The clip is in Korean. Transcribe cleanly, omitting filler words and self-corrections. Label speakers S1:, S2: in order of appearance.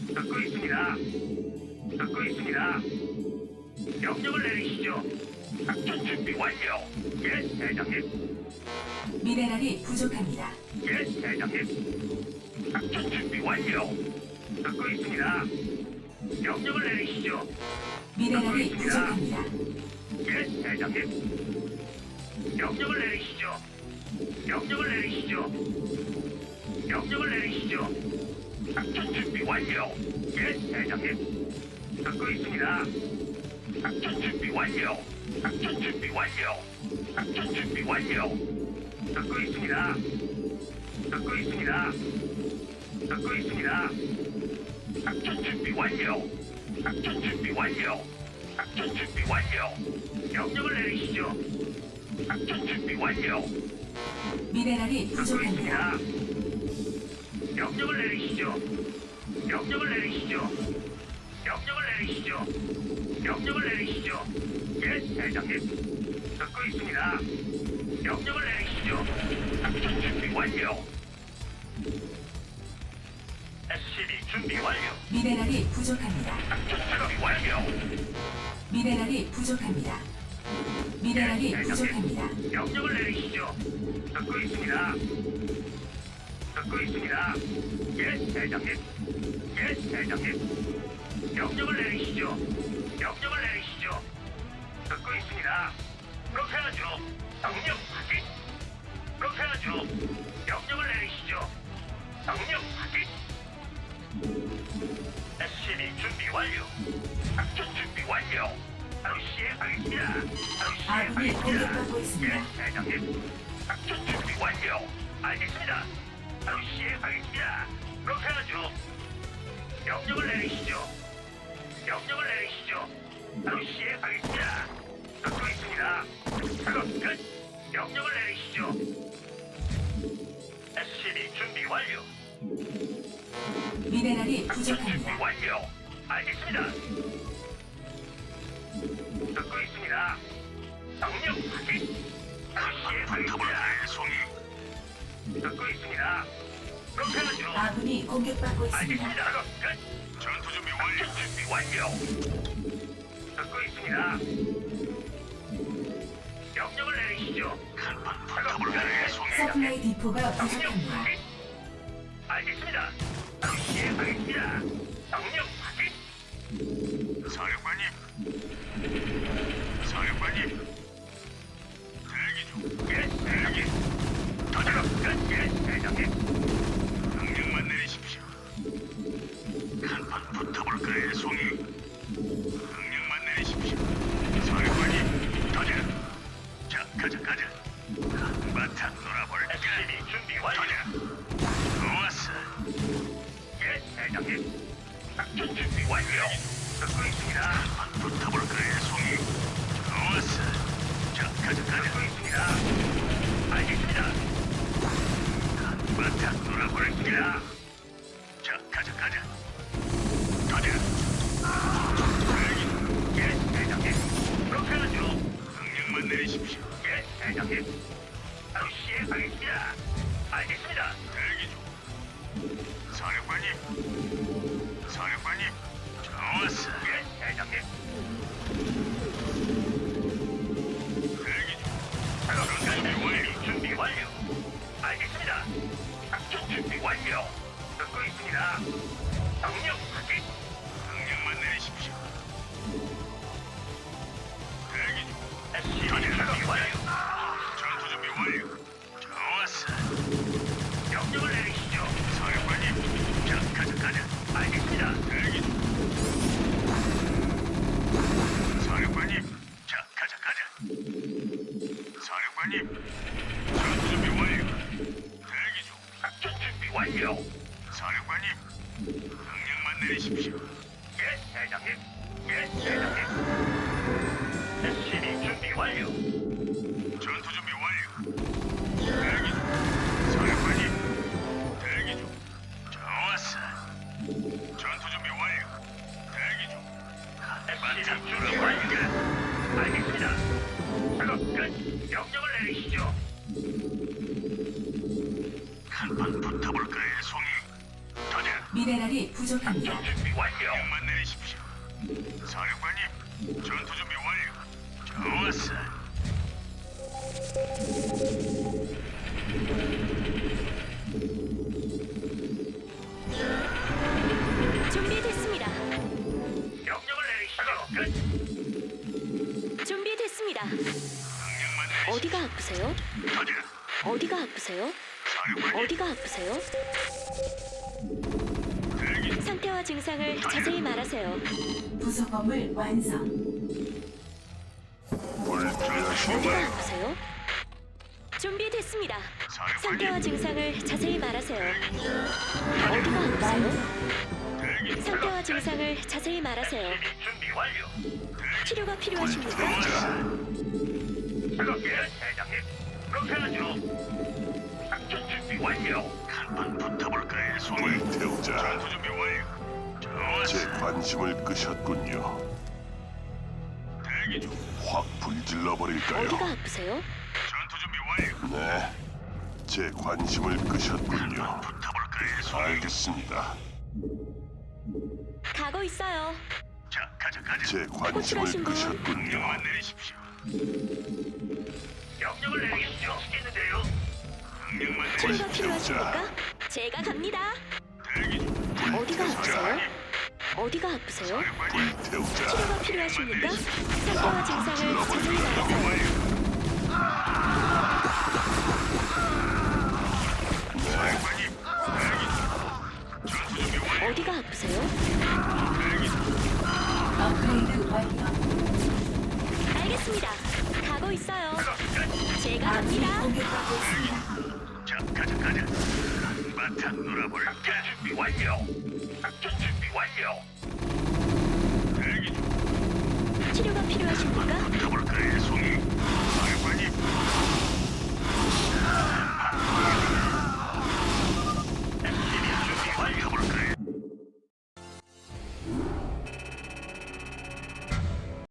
S1: 듣고 있습니다. 듣고 있습니다. 명령을 내리시죠. 작전 준비 완료. 예, 대장님.
S2: 미네랄이 부족합니다.
S1: 예, 대장님. 작전 준비 완료. 듣고 있습니다. 명령을 내리시죠.
S2: 미네랄이 부족합니다.
S1: 예, 대장님. 명령을 내리시죠. 명령을 내리시죠. 명령을 내리시죠. 작전 준비 완료. 예, 대장님. 듣고 있습니다. 작전 준비 완료. 작전 준비 완료. 작전 준비 완료. 듣고 있습니다. 듣고 있습니다. 듣고 있습니다. 작전 준비 완료. 작전 준비 완료. 작전 준비 완료. 명령을 내리시죠. 작전 준비 완료.
S2: 미네랄이
S1: 듣고
S2: 부족합니다.
S1: 있습니다. 명령을 내리시죠. 명령을 내리시죠. 명령을 내리시죠. 명령을 내리시죠. 예, 대장님. 듣고 있습니다. 명령을 내리시죠. 작전 준비 완료. SCB 준비 완료.
S2: 미네랄이 부족합니다.
S1: 작전 준비 완료.
S2: 미네랄이 부족합니다. 미네랄이
S1: 예,
S2: 부족합니다.
S1: 명령을 내리시죠. 듣고 있습니다. 듣고 있습니다. 예, 대장님. 예, 대장님. 명령을 내리시죠. 명령을 내리시죠. 듣고 있습니다. 그렇게 하죠. 명령 확인. 그렇게 하죠. 명령을 내리시죠. 명령 확인. SCB 준비 완료. 작전 준비 완료. 바로 시행하겠습니다. 바로
S2: 아군이
S1: 시행하겠습니다.
S2: 공격받고 있습니다.
S1: 예, 대장님. 작전 준비 완료. 알겠습니다. 바로 시행하겠습니다. 그렇게 하죠. 명령을 내리시죠. 명령을 내리시죠. 바로 시행하겠습니다. 듣고 있습니다. 작업 끝. 명령을 내리시죠. SCB 준비 완료.
S2: 미네랄이
S1: 작전 준비
S2: 부족합니다.
S1: 완료. 알겠습니다. 듣고 있습니다. 명령 확인. 바로 시행하겠습니다.
S3: 송이.
S1: 듣고 있습니다. 그렇게 하죠.
S2: 아군이 공격받고 있습니다.
S1: 알겠습니다. 작업 끝.
S3: 전투 준비 완료.
S1: 작전 준비 완료. 듣고 있습니다. 명령을 내리시죠.
S3: 한판
S1: 작업
S3: 붙어볼까요, 송이?
S2: 서플라이 디포가
S1: 명령
S2: 부족합니다.
S1: 확인. 알겠습니다. 바로 시행하겠습니다. 명령 확인.
S3: 사령관님. 사령관님. 대기 중.
S1: 예, 대장님. 작업 끝. 예, 대장님.
S3: 명령만 내리십시오. 한판 붙어볼까요, 송이? 명령만 내리십시오. 사령관님, 가자. 자, 가자. 한바탕 놀아볼까?
S1: SCB 준비 완료.
S3: 가자. 좋았어.
S1: 예, 대장님. 작전 준비 완료. 듣고 있습니다.
S3: 한판 붙어볼까요, 송이? 좋았어. 자, 가자.
S1: 듣고 있습니다. 알겠습니다.
S3: 한바탕 놀아볼까?
S1: 있습니다.
S3: 자, 가자. 가자.
S1: 예, 대장님. 그렇게 하죠.
S3: 명령만 내리십시오.
S1: 예, 대장님. 바로 시행하겠습니다. 알겠습니다.
S3: 대기 중. 사령관님, 좋았어.
S1: 예, 대장님.
S3: 대기 중.
S1: 작업 준비 준비 완료. 알겠습니다. 작전 준비 완료. 듣고 있습니다. 명령 확인.
S3: 명령만 내리십시오. 대기 중.
S1: SCB 준비 완료.
S3: 전투 준비 완료. 좋았어.
S1: 명령을 내리시죠.
S3: 사령관님, 자, 가자.
S1: 알겠습니다.
S3: 대기 중. 사령관님, 자, 가자. 사령관님, 전투 준비 완료. 대기 중.
S1: 작전 준비 완료.
S3: 사령관님, 명령만 내리십시오.
S1: 예, 대장님. 예, 대장님. SCB 준비 완료.
S3: 전투 준비 완료. 대기 중. 사령관님, 대기 중. 좋았어. 전투 준비 완료. 대기 중.
S1: SCB 준비 완료. 알겠습니다. 작업 끝. 명령을 내리시죠.
S3: 한판 붙어볼까요, 송이? 가자.
S2: 미네랄이 부족합니다.
S1: 작전 준비 완료.
S3: 명만 내리십시오. 사령관님, 전투 준비 완료. 좋았어.
S4: 준비됐습니다.
S1: 명령을 내리시죠. 끝.
S4: 준비됐습니다.
S3: 명령만 내리십시오.
S4: 어디가 아프세요?
S3: 가자.
S4: 어디가 아프세요?
S3: 사령관님,
S4: 어디가 아프세요?
S3: 대기 중.
S4: 상태와 증상을 자세히 말하세요.
S2: 부속 건물 완성.
S4: 어디가 아프세요? 준비됐습니다. 상태와
S3: 사령관님,
S4: 증상을 자세히 말하세요. 어디가 아프세요?
S3: 대기 중.
S4: 상태와 증상을 자세히 말하세요.
S1: 준비 완료.
S4: 치료가 필요하십니까?
S1: 작업 예, 대장님. 그렇게 하죠. 작전 준비 완료.
S3: 한번 붙어볼까요, 송이?
S5: 불태우자.
S3: 전투 준비 완료.
S5: 제
S3: 좋았어.
S5: 관심을 끄셨군요.
S3: 대기 중.
S5: 확 불질러 버릴까요?
S4: 어디가 아프세요?
S3: 전투 준비 완료.
S5: 네. 제 관심을 끄셨군요.
S3: 붙어볼까요, 송이?
S5: 알겠습니다.
S4: 가고 있어요.
S3: 자, 가자, 가자.
S5: 제 관심을
S4: 호출하신 분.
S5: 끄셨군요.
S3: 명령만 내리십시오.
S1: 명령을 내리시죠. 시겠는데요.
S3: 명령만
S4: 치료가
S3: 내리십시오.
S4: 필요하십니까? 제가 갑니다.
S3: 대기 중.
S4: 어디가 아프세요? 어디가 아프세요?
S5: 불태우자.
S4: 치료가 필요하십니까? 상태와 증상을 자세히 말하세요.
S3: 사령관님, 대기 중. 전투 준비 완료.
S4: 어디가 아프세요?
S3: 대기 중.
S2: 업그레이드 완료.
S4: 알겠습니다. 가고 있어요. 제가
S2: 아군이
S4: 갑니다.
S2: 공격받고 있습니다.
S3: 자, 가자, 가자. 한바탕 놀아볼까?
S1: 작전 준비 완료. 작전 준비 완료.
S3: 대기 중.
S4: 치료가 필요하십니까?
S3: 붙어볼까요, 송이?